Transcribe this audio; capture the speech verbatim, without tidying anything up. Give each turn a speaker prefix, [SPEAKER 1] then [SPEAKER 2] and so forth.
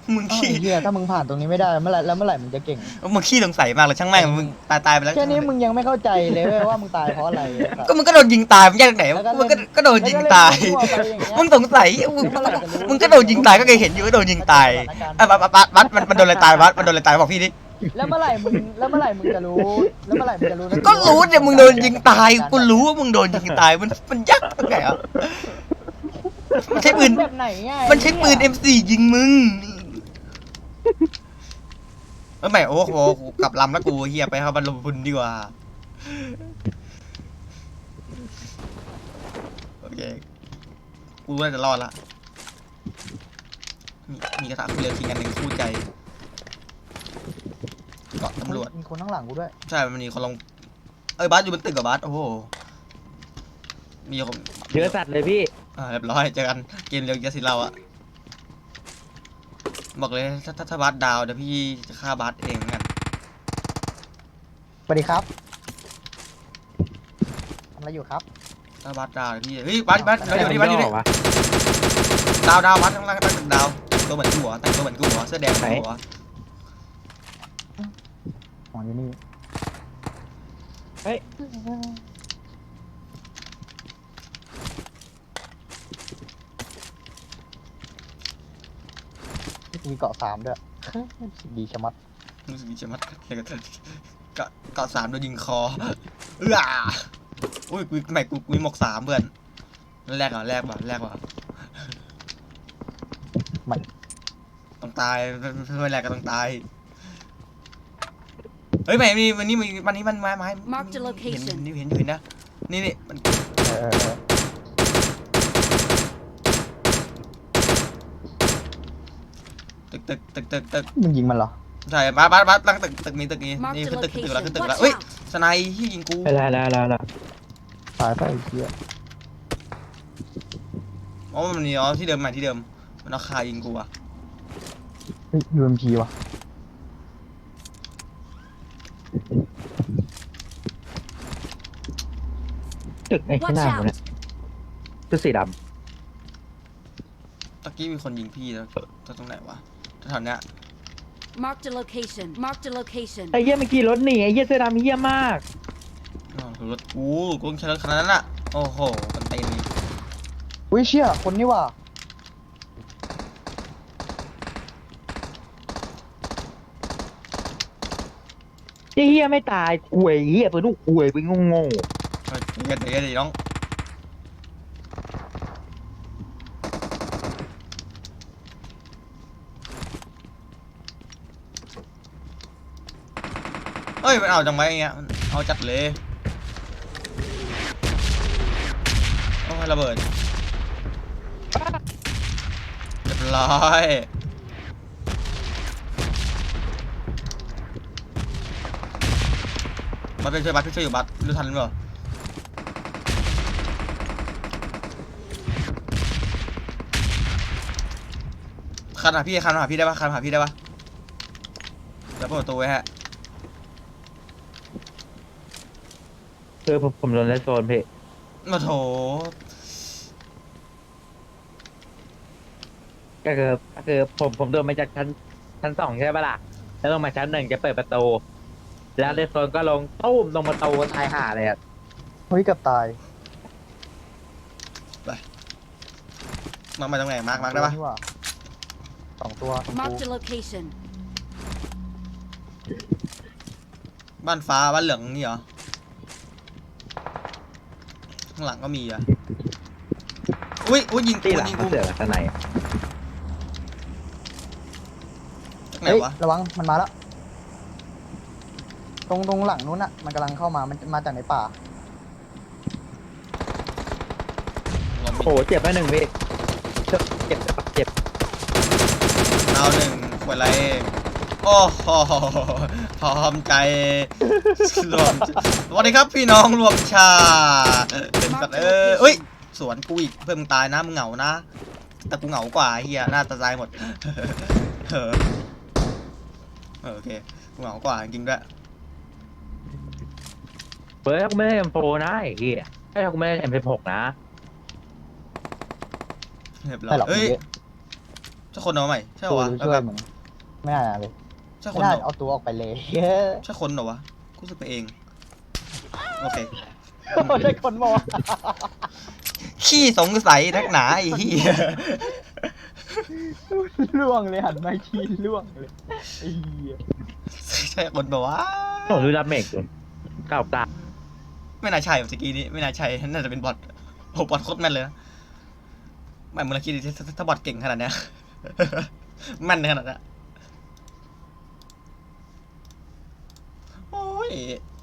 [SPEAKER 1] มึงขี้
[SPEAKER 2] เฮียถ้ามึงผ่านตรงนี้ไม่ได้เมื่อไหร่แล้วเมื่อไหร่มึงจะเก่ง
[SPEAKER 1] มึงขี้สงสัยมากเลยช่างแม่งมึงตายตายไปแล้ว
[SPEAKER 2] แค่นี้มึงยังไม่เข้าใจเลยว่ามึงตายเพราะอะไร
[SPEAKER 1] ก็มึงก็โดนยิงตายมึงแยกไหนมึงก็ก็โดนยิงตายมึงสงสัยมึงก็โดนยิงตายก็เคยเห็นอยู่ก็โดนยิงตายอ่ะบัสบัสบัสมันมันโดนอะไรตายบัสมันโดนอะไรตายบอกพี่ดิ
[SPEAKER 2] แล้วเมื่อไหร่มึงแล้วเมื่อไหร่มึงจะรู้แล้วเมื่อไหร่มึงจะรู้
[SPEAKER 1] ก็รู้เนี่ยมึงโดนยิงตายกูรู้ว่ามึงโดนยิงตายมันมันยักษ์ตรงไหนอ่ะมันใช้ปืน
[SPEAKER 2] แบบไหนไง
[SPEAKER 1] มันใช้ปืน เอ็ม โฟร์ ยิงมึงเออไม่โอ้โหกลับลำแล้วกูเฮียไปครับบรรลุพุนดีกว่าโอเคกูว่าจะรอดละมีมีกระถางเรือทิ้งกันหนึ่งคู่ใจเกาะตำรวจ
[SPEAKER 2] มีคนข้างหลังกูด้วย
[SPEAKER 1] ใช่มันมีคนลงเอ้ยบัสอยู่บนตึกกับบัสโอ้โหมีคน
[SPEAKER 3] เยอะสัตว์เลยพี่
[SPEAKER 1] อ่าเรียบร้อยเจอกันเกมเร็วเยอะสิเราอะบอกเลยถ้าถ้าถ้าบัสดาวเดี๋ยวพี่จะฆ่าบัสเองกัน
[SPEAKER 2] สวัสดีครับทำอะไรอยู่ครับ
[SPEAKER 1] ถ้าบัสดาวเดี๋ยวพี่เฮ้ยบัสบัสเราอยู่นี่บัสอยู่นี่ดาวดาวบัสข้างล่างตั้งดาวตัวเหมือนกูหัวแต่งตัวเหมือนกูหัวเสื้อแดงหัว
[SPEAKER 2] อ๋ออยู่นี่
[SPEAKER 3] เฮ้ย
[SPEAKER 2] มีเกาะสามด้วยดีชะมัด
[SPEAKER 1] รู้สึกดีชะมัดเลยกันเกาะเกาะสามโดนยิงคอเอื้ออุ้ยกูใหม่กูกูมีหมกสามเพื่อนแรกอ่ะแรกว่ะแรกว่ะ
[SPEAKER 2] มัน
[SPEAKER 1] ต้องตายไม่แรกก็ต้องตายเฮ้ยใหม่มีวันนี้มีวันนี้มันไม้ไม้เห็นนี่เห็นอยู่เห็นนะนี่นี่มันตึกตึกตึกตึกตึก
[SPEAKER 2] มึงยิงมันเหรอ
[SPEAKER 1] ใช่บ้าบ้าบ้าตั้งตึกตึกนี้ตึกนี้นี่ขึ้นตึกขึ้นตึกแล้วขึ้นตึกแล้วเฮ้ยสไนที่ยิงกู
[SPEAKER 3] แล้วแล้วแล้วแล้ว
[SPEAKER 2] ตายไปไอ้เหี้ย
[SPEAKER 1] อ๋อมันนี่อ๋อที่เดิมใหม่ที่เดิมมันเอาคายิงกูอ่ะ
[SPEAKER 2] เฮ้ยยูเอ็มพีว่ะ
[SPEAKER 3] ตึกไอ้ข้างหน้าผมเนี่ยตึกสีดำ
[SPEAKER 1] ตะกี้มีคนยิงพี่แล้วตรงไหนวะแถวเนี้ย
[SPEAKER 4] Mark the location Mark the location
[SPEAKER 3] ไอ้เหี้ยเมื่อกี้รถหนีไอ้เหี้ยเสื้อดำเหี้ยมาก
[SPEAKER 1] อ๋อรถกูกูต้องใช้รถคันนั้นอ่ะโอ้โหมันเต็มเลย
[SPEAKER 2] อุ้ยเชี่ยคนนี่ว่ะ
[SPEAKER 3] ไอ้เหี้ยไม่ตายอวยเหี้ยไปลูกอวยไปงงง
[SPEAKER 1] เดี๋ยวเดี๋ยวเดี๋ยวน้องเฮ้ยมันเอาจังไว้เงี้ยเอาจัดเลยโอ้ยระเบิดเรียบร้อยบัตไปช่วยบัตไปช่วยอยู่บัตรู้ทันหรือเปล่าคันหาพี่คันหาพี่ได้ปะคันหาพี่ได้ปะแล้วเปิดประตูไว้ฮะ
[SPEAKER 3] คือผมผมโดนเลสโซนพี่
[SPEAKER 1] มาโถ
[SPEAKER 3] ก็คือก็คือผมผมโดนมาจากชั้นชั้นสองใช่ปะล่ะแล้วลงมาชั้นหนึ่งจะเปิดประตูแล้วเลสโซนก็ลงตุ้มลงประตูตายห่าเลยอ่ะ
[SPEAKER 2] เฮ้ยกับตาย
[SPEAKER 1] ไปมามาตรงไหนมาร์กมาร์กได้ปะ
[SPEAKER 2] สองตัว
[SPEAKER 4] Mark the location
[SPEAKER 1] บ้านฟ้าบ้านเหลืองนี่เหรอข้างหลังก็มีอ่ะอุ้ยอุ้ยยิงกูยิงกู
[SPEAKER 3] เสือข้างใน
[SPEAKER 1] ไหนวะ
[SPEAKER 2] ระวังมันมาแล้วตรงตรงหลังนู้นอ่ะมันกำลังเข้ามามันมาจากในป่า
[SPEAKER 3] โอ้เจ็บไปหนึ่งพี่เจ็บเจ็บเจ็บ
[SPEAKER 1] เอาหนึ่งขวดอะไรโอ้โหพร้อมใจรวมสวัสดีครับพี่น้องรวมชาเป็นสัตว์เออเอ้ยสวนกูอีกเพื่อนมึงตายนะมึงเหงานะแต่กูเหงากว่าเฮียหน้าตาตายหมดเออโอเคกูเหงากว่าจริงด้วย
[SPEAKER 3] เฮ้ยกูไม่ได้เอ็มโฟนะไอ้เหี้ยไอ้กูไม่ได้เอ็มสิบหกนะ
[SPEAKER 1] เรียบร้อยเฮ้ยใช่คนเหรอใหม่ใช่
[SPEAKER 2] ตัว
[SPEAKER 1] วะ
[SPEAKER 2] ช่วยมึงไม่น่าเลย
[SPEAKER 1] ใช่ค
[SPEAKER 2] ไม่
[SPEAKER 1] น
[SPEAKER 2] น่า
[SPEAKER 1] เหรอ
[SPEAKER 2] เอาตัวออกไปเลย
[SPEAKER 1] ใช่คนเหรอวะกูรู้สึกไปเองโอเค
[SPEAKER 2] ใช่คนบอก
[SPEAKER 1] ขี้สงสัยนักหนาไอ้เหี้ย
[SPEAKER 2] ล่วงเลยหันมาอีกทีล่วงเลยไอ้เหี้ย
[SPEAKER 1] ใช่คนบอกว่า
[SPEAKER 3] ผมดูรับเมกอยู่เก้าเก้า
[SPEAKER 1] ไม่น่าใช่เมื่อกี้นี้ไม่น่าใช่น่าจะเป็นบอทโอ้บอทโคตรแม่นเลยนะไม่มึงลองคิดดิถ้าถ้าบอทเก่งขนาดเนี้ย แม่นขนาดเนี้ยโอ้ย